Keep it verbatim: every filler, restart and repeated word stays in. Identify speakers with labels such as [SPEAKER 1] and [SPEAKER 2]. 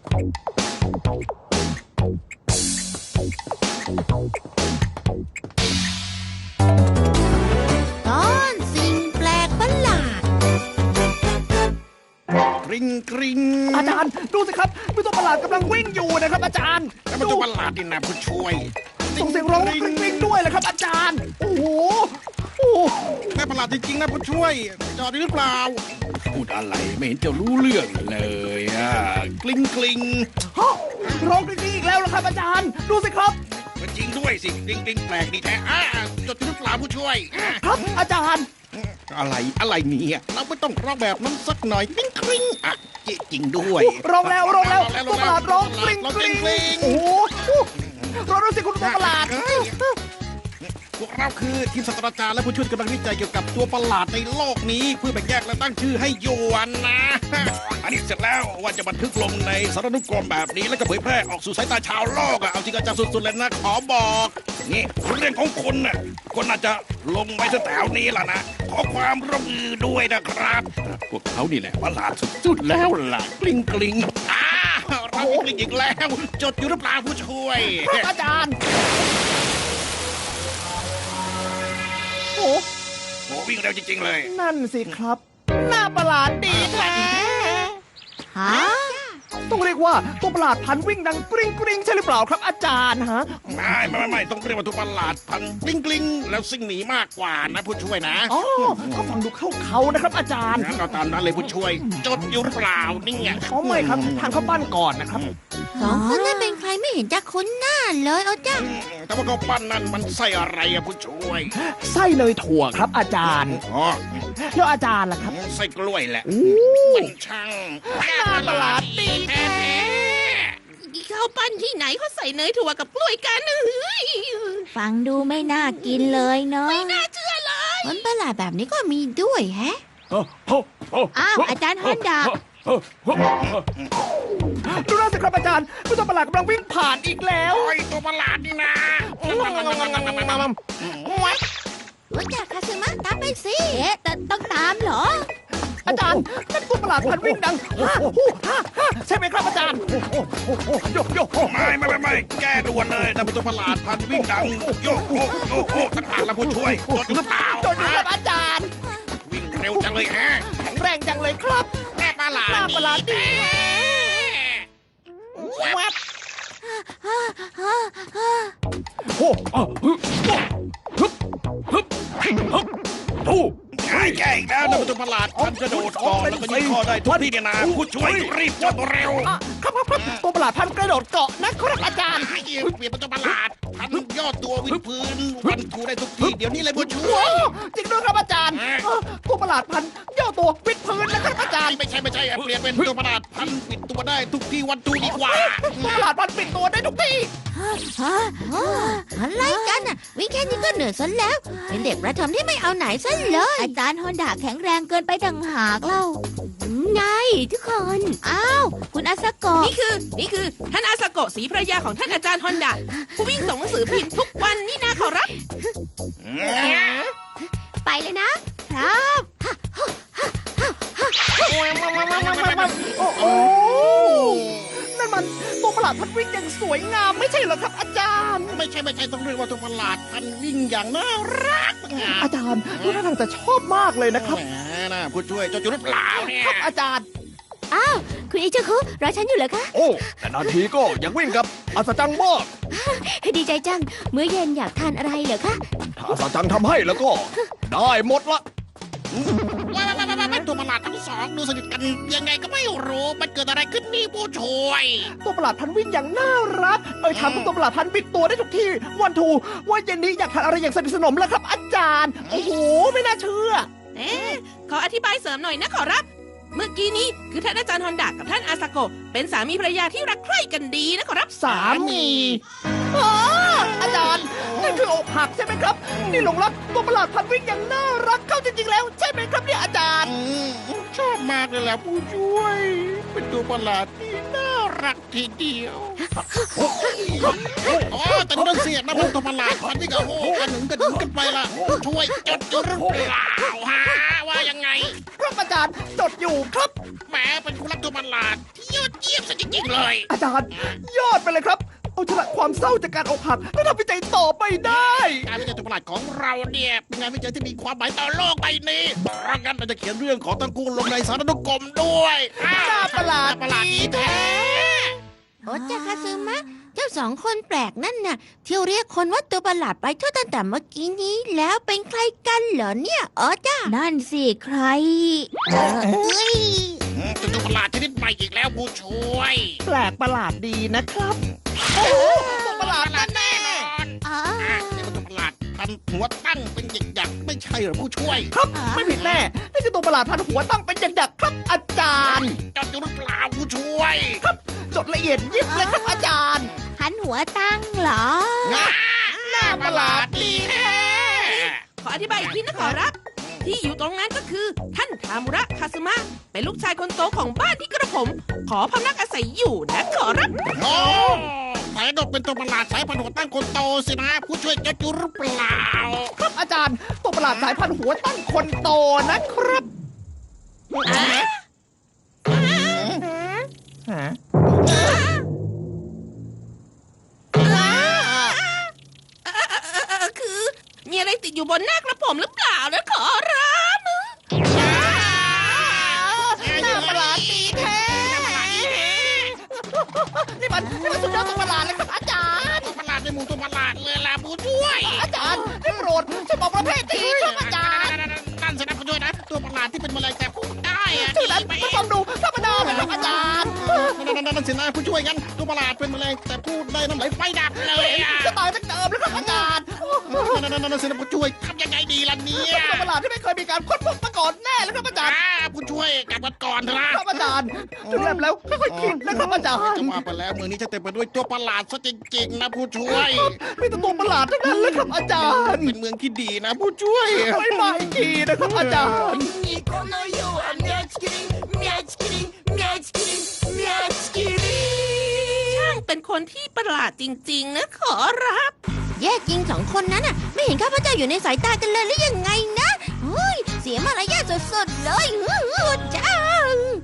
[SPEAKER 1] ตอนสิ่งแปลกประหลาด
[SPEAKER 2] กริ๊งกริ๊ง
[SPEAKER 3] อาจารย์ดูสิครับมีตัวประหลาดกำลังวิ่งอยู่นะครับอาจารย์
[SPEAKER 2] แล้วมันตัวประหลาดนี่นะผู้ช่วย
[SPEAKER 3] ส่งเสียงร้องกริ๊งกริ๊งด้วยเลยครับอาจารย์โอ้โหโอ้โห
[SPEAKER 2] แม่ประหลาดจริงๆนะผู้ช่วยจอดหรือเปล่าพูดอะไรไม่เห็นจะรู้เรื่องเลยอ่ะกลิ้งกลิ้ง
[SPEAKER 3] ฮะร้องกริ๊งกริ๊งอีกแล้วเหรอครับอาจารย์ดูสิครับ
[SPEAKER 2] จริงด้วยสิกลิ้งกลิ้งแปลกดีแท้อ่ะจดหรือเปล่าผู้ช่วยอ่ะ
[SPEAKER 3] ครับอาจารย์
[SPEAKER 2] อะไรอะไรเนี่ยเราไม่ต้องร้องแบบนั้นสักหน่อยกลิ้งกลิ้งอ่ะจริงด้วย
[SPEAKER 3] ร้องแล้วร้องแล้วตัวประหลาดร้องกริ๊ง
[SPEAKER 2] ร้อง
[SPEAKER 3] ก
[SPEAKER 2] ก
[SPEAKER 3] ริ๊
[SPEAKER 2] ลิ้
[SPEAKER 3] ง
[SPEAKER 2] งกลิ้ง
[SPEAKER 3] โอ้โหร้องดูสิคุณตัวประหลาด
[SPEAKER 2] พวกเราคือทีมศาสตราจารย์และผู้ช่วยกำลังวิจัยเกี่ยวกับตัวประหลาดในโลกนี้เพื่อแบ่งแยกและตั้งชื่อให้ยวนนะ อันนี้เสร็จแล้วว่าจะบันทึกลงในสารนุกรมแบบนี้แล้วก็เผยแพร่ออกสู่สายตาชาวโลกอ่ะเอาจริงอาจารย์สุดๆเลยนะขอบอกนี่เรื่องของคนน่ะคนอาจจะลงไว้แถวนี้ล่ะนะขอความร่วมมือด้วยนะครับพวกเขานี่แหละประหลาดสุดๆแล้วล่ะกลิ้งกลิ้งอ้าเรากลิ้งอีกแล้วจดอยู่หรือเปล่าผู้ช่วย
[SPEAKER 3] ครับอาจารย์โอ้
[SPEAKER 2] โอ้วิ่งเร็วจริงๆเลย
[SPEAKER 3] นั่นสิครับหน้าประหลาดดีแท้
[SPEAKER 1] ฮะ
[SPEAKER 3] ต้องเรียกว่าตัวประหลาดพันวิ่งดังกริ๊งกริ๊งใช่หรือเปล่าครับอาจารย์ฮะ
[SPEAKER 2] ไม่ไม่ไม่ไม่ต้องเรียกว่าตัวประหลาดพันกลิ้งกลิ้งแล้วซิ่งหนีมากกว่านะผู้ช่วยนะ
[SPEAKER 3] อ๋อก็ฟังดูเข้าเขานะครับอาจารย์
[SPEAKER 2] งั้นเราตามนั้นเลยผู้ช่วย จดอยู่หรือเปล่านี่ไง
[SPEAKER 3] อ๋อไม่ครับทางเข้าบ้านก่อนนะครับ
[SPEAKER 1] สองคนนั้นเป็นใครไม่เห็นจะคุ้นหน้าเลยเอาจ้ะ
[SPEAKER 2] แต่ว่าเขาปั้นนั่นมันใส่อะไรอะผู้ช่วย
[SPEAKER 3] ไส้เนยถั่วครับอาจารย์
[SPEAKER 2] อ๋อ
[SPEAKER 3] แล้วอาจารย์ล่ะครับ
[SPEAKER 2] ใส่กล้วยแหละ
[SPEAKER 3] อู้
[SPEAKER 2] มันช่าง
[SPEAKER 3] หน้าประหลาดดีแท้
[SPEAKER 4] ข้าวปั้นที่ไหนเขาใส่เนยถั่วกับกล้วยกันเฮ้ย
[SPEAKER 1] ฟังดูไม่น่ากินเลยเนาะ
[SPEAKER 4] ไม่น่าเชื่อเลย
[SPEAKER 1] ผลประหลาดแบบนี้ก็มีด้วยแฮะ อ้าวอาจารย์ฮอนดา
[SPEAKER 3] ดูนั่นสิครับอาจารย์มีตัวประหลาดกำลังวิ่งผ่านอีกแล้ว
[SPEAKER 2] โอ้ยตัวประหลาดนี่นะ
[SPEAKER 1] รู้จักคาซึมะตามไปสิเอ๊ะแต่ต้องตามเหรอ
[SPEAKER 3] อาจารย์นั่นตัวประหลาดพันวิ่งดังฮ่าฮู้ฮ่าฮ่าใช่ไหมครับอาจารย์โยกโยก
[SPEAKER 2] ไม่ไม่ไม่ไม่แก้ด่วนเลยนั่นเป็นตัวประหลาดพันวิ่งดังโยกโยกโยกโยกต่างหากแล้วผู้ช่วยจดอยู่หรือเปล่า
[SPEAKER 3] จดอยู่ครับอาจารย์
[SPEAKER 2] วิ่งเร็วจังเลยฮะ
[SPEAKER 3] แข็งแรงจังเลยครับ
[SPEAKER 2] แม่ประหลาด
[SPEAKER 3] หน้าประหลาดดี
[SPEAKER 2] แวบ
[SPEAKER 3] โอ้ฮึฮึฮึฮึฮึทู
[SPEAKER 2] ใช่แก่อีกแล้วนะเป็นตัวประหลาดพันกระโดดเกาะแล้วก็ยิงคอได้ทุกที่เนี่ยนะผู้ช่วยรีบจดเร็ว
[SPEAKER 3] อ่ะครับครับครับตัวประหลาดพันกระโดดเกาะนะครับอาจารย์
[SPEAKER 2] ไอ้เปลี่ยนเป็นตัวประหลาดพันยอดตัววิดพื้นวันทูได้ทุกที่เดี๋ยวนี้เลยผู้ช่ว
[SPEAKER 3] ว้า
[SPEAKER 2] ยว
[SPEAKER 3] จริงด้วยครับอาจารย์เออตัวประหลาดพันย่อตัววิดพื้นนะครับอาจารย์
[SPEAKER 2] ไม่ใช่ไม่ใช่เปลี่ยนเป็นตัวประหลาดพันปิดตัวได้ทุกที่วันทูดีกว่า
[SPEAKER 3] ตัวประหลาดพันปิดตัวได้ทุกที่
[SPEAKER 1] ฮะอะไรกันน่ะวิ่งแค่นี้ก็เหนื่อยซะแล้ว เป็นเด็กประถมที่ไม่เอาไหนซะเลย อาจารย์ฮอนดาแข็งแรงเกินไปต่างหากเล่าไงทุกคน อ้าว คุณอาซาโกะ
[SPEAKER 4] นี่คือนี่คือท่านอาสโกะศรีภรรยาของท่านอาจารย์ฮอนดาผู้วิ่งส่งหนังสือพิมพ์ทุกวันนี่นะขอรับ
[SPEAKER 1] ไปเลยนะครับ
[SPEAKER 3] โอ้โหนั่นมันตัวประหลาดพันวิ่งอย่างสวยงามไม่ใช่เหรอครับอาจารย์
[SPEAKER 2] ไม่ใช่ไม่ใช่ต้องเรียกว่าตัวประหลาดพันวิ่งอย่างน่ารัก
[SPEAKER 3] อาจารย์ดูท่าทางจะชอบมากเลยนะครับ
[SPEAKER 2] แหมนะผู้ช่วยเจ้าจุดหรือเปล่าเนี่ย
[SPEAKER 3] ครับอาจารย์
[SPEAKER 1] อ้าว คุณอิจิคุรอฉันอยู่เหรอคะ
[SPEAKER 3] โอ้แต่นาทีก็ยังวิ่งกับอัศจรรย์มาก
[SPEAKER 1] ดีใจจัง มื้อเย็นอยากทานอะไรเหรอคะ
[SPEAKER 3] ถ้าอัศจรรย์ทำให้แล้วก็ ได้หมดละ
[SPEAKER 2] ว้าวว้าวว้าวตัวประหลาดทั้งสองดูสนิทกันยังไงก็ไม่รู้มันเกิดอะไรขึ้นนี่ผู้ช่วย
[SPEAKER 3] ตัวประหลาดพันวิ่งอย่างน่ารัก เอ่ยถามตัวประหลาดพันบิดตัวได้ทุกที่ วันทูว่าเย็นนี้อยากทานอะไรอย่างสนิทสนมแล้วครับ อาจารย์ โอ้โห ไม่น่าเชื่อ
[SPEAKER 4] เอ๊ะขออธิบายเสริมหน่อยนะขอรับ เมื่อกี้นี้คือท่านอาจารย์ฮอนดากับท่านอาสโกะเป็นสามีภรรยาที่รักใคร่กันดีนะขอรับ
[SPEAKER 3] สามีอ๋ออาจารย์นั่นคืออกหักใช่ไหมครับ นี่หลงรักตัวประหลาดพันวิ่งอย่างน่ารักเข้าจริงๆแล้ว ใช่ไหมครับเนี่ยอาจารย์
[SPEAKER 2] ชอบมากเลยแหละผู้ช่วย เป็นตัวประหลาดที่น่ารักทีเดียวอ๋อแต่นี่ต้องเสียนะเป็นตัวประหลาดพันที่กับโอ้กันหนึ่งกันหนึ่งกันไปละผู้ช่วยจดอยู่หรือเปล่าฮะว่ายังไง
[SPEAKER 3] ครับอาจารย์จดอยู่ครับ
[SPEAKER 2] แหมเป็นคุณรักตัวประหลาดที่ยอดเยี่ยี่ยมซะจริงๆเลย
[SPEAKER 3] อาจารย์ ยอดไปเลยครับ เอาชนะความเศร้าจากการอกหักและทำวิจัยต่อไปได้
[SPEAKER 2] การวิจัยตัวประหลาดของเราเนี่ยเป็นงานวิจัยที่มีความหมายต่อโลกใบนี้เพราะงั้นเราจะเขียนเรื่องของตระกูลลงในสารนุกรมด้วยอ้าว
[SPEAKER 3] น่าประหลาด
[SPEAKER 2] น่ประหลาดดีแท้
[SPEAKER 1] โอจาคาซึมะ เจ้าสองคนแปลกนั่นน่ะเที่ยวเรียกคนว่าตัวประหลาดไปทั่วตั้งแต่เมื่อกี้นี้แล้วเป็นใครกันเหรอเนี่ยโอจ้านั่นสิใครเอ้ย
[SPEAKER 2] อืมเป็นตัวประหลาดชนิดใหม่อีกแล้วผู้ช่วย
[SPEAKER 3] แปลกประหลาดดีนะครับ โอ้โหตัวประหลาดแน่
[SPEAKER 2] นอน
[SPEAKER 1] อ๋อ
[SPEAKER 2] อ่ะนี่มันตัวประหลาดพันหัวตั้งเป็นหยักๆไม่ใช่เหรอผู้ช่วย
[SPEAKER 3] ๆครับ ไม่ผิดแน่ นี่คือตัวประหลาดพันหัวตั้งเป็นหยักๆครับ อาจารย์
[SPEAKER 2] จดอยู่หรือเปล่าผู้ช่วย
[SPEAKER 3] จดละเอียดยิบเลยครับอาจารย์
[SPEAKER 1] หันหัวตั้งเหรอ
[SPEAKER 2] น่าน่าประหลาดดีแท้
[SPEAKER 4] ขออธิบายอีกทีนะขอรับ ที่อยู่ตรงนั้นก็คือ ท่านทามุระคาซึมะ เป็นลูกชายคนโตของบ้านที่กระผม ขอพำนักอาศัยอยู่นะขอรับ
[SPEAKER 2] โอ้สายดกเป็นตัวประหลาดสายพันธุ์หัวตั้งคนโตสินะ ผู้ช่วยจดอยู่หรือเปล่า
[SPEAKER 3] ครับอาจารย์ ตัวประหลาดสายพันธุ์หัวตั้งคนโตนะครับฮะ
[SPEAKER 4] เออคือ มีอะไรติดอยู่บนหน้ากระผมหรือเปล่านะขอรับ
[SPEAKER 3] น่าประหลาดดีแท้ นี่มันนี่มันสุดยอดตัวประหลาดเลยครับอาจารย์
[SPEAKER 2] ตัวประหลาดในหมู่ตัวประหลาดเลยล่ะผู้ช่วย
[SPEAKER 3] อาจารย์ได้โปรดช่วยบอกประเภททีครับอาจารย์
[SPEAKER 2] นั่นสินะผู้ช่วยนะ ตัวประหลาดที่เป็นแมลงแต่พูดได้อะ
[SPEAKER 3] ชื่อนั้น
[SPEAKER 2] ไป
[SPEAKER 3] มันฟังดูธรรมดาเลยครับอาจารย์
[SPEAKER 2] นั่นนั่นนั่นสินะผู้ช่วยกันตัวประหลาดเป็นแมลงแต่พูดได้น้ำไหลไฟดับเลยอะ
[SPEAKER 3] จะตายตั้งเดิมแล้วครับอาจารย์
[SPEAKER 2] นั่นนั่นนั่นสินะผู้ช่วยทำยังไงดีล่ะเนี่ย
[SPEAKER 3] ตัวประหลาดที่ไม่เคยมีการค้นพบมาก่อนแน่เลยครับอาจารย์
[SPEAKER 2] อ่าผู้ช่วยกลับกันก่อนเถอะนะครับ
[SPEAKER 3] อาจารย์ถึงแล้วค่อยๆคิดนะครับอาจารย์
[SPEAKER 2] จะว่าไปแล้วมือนี้จะเต็มไปด้วยตัวประหลาดซะจริงๆนะผู้ช่วย
[SPEAKER 3] มีแต่ตัวประหลาดทั้งนั้นเลยครับอาจารย์
[SPEAKER 2] เป็นเมืองที่ดีนะผู้ช่วย
[SPEAKER 3] ไม่มาอีกทีนะครับอาจารย์
[SPEAKER 4] ช่างเป็นคนที่ประหลาดจริงๆนะขอรับ
[SPEAKER 1] แย่จริงสองคนนั้นน่ะ ไม่เห็นข้าพเจ้าอยู่ในสายตากันเลยหรือยังไงนะเฮ้ยเสียมารยาทสุดๆเลยฮือจ้า